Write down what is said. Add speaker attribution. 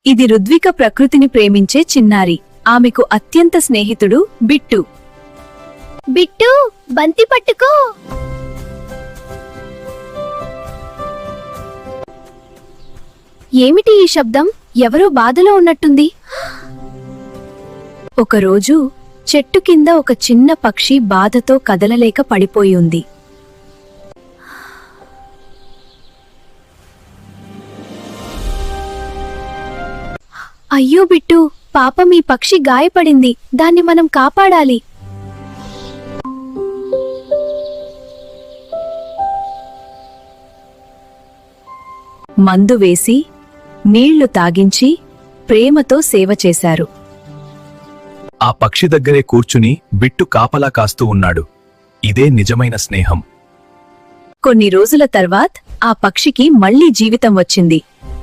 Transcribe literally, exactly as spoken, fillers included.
Speaker 1: ఇది రుద్విక ప్రకృతిని ప్రేమించే చిన్నారి. ఆమెకు అత్యంత స్నేహితుడు బిట్టు.
Speaker 2: బిట్టు, బంతి పట్టుకో. ఏమిటి ఈ శబ్దం? ఎవరో బాధలో ఉన్నట్టుంది.
Speaker 1: ఒకరోజు చెట్టు కింద ఒక చిన్న పక్షి బాధతో కదలలేక పడిపోయి ఉంది.
Speaker 2: అయ్యో బిట్టు, పాపం ఈ పక్షి గాయపడింది. దాన్ని మనం కాపాడాలి.
Speaker 1: మందు వేసి నీళ్లు తాగించి ప్రేమతో సేవ చేశారు.
Speaker 3: ఆ పక్షి దగ్గరే కూర్చుని బిట్టు కాపలా కాస్తూ ఉన్నాడు. ఇదే నిజమైన స్నేహం.
Speaker 1: కొన్ని రోజుల తర్వాత్ ఆ పక్షికి మళ్లీ జీవితం వచ్చింది.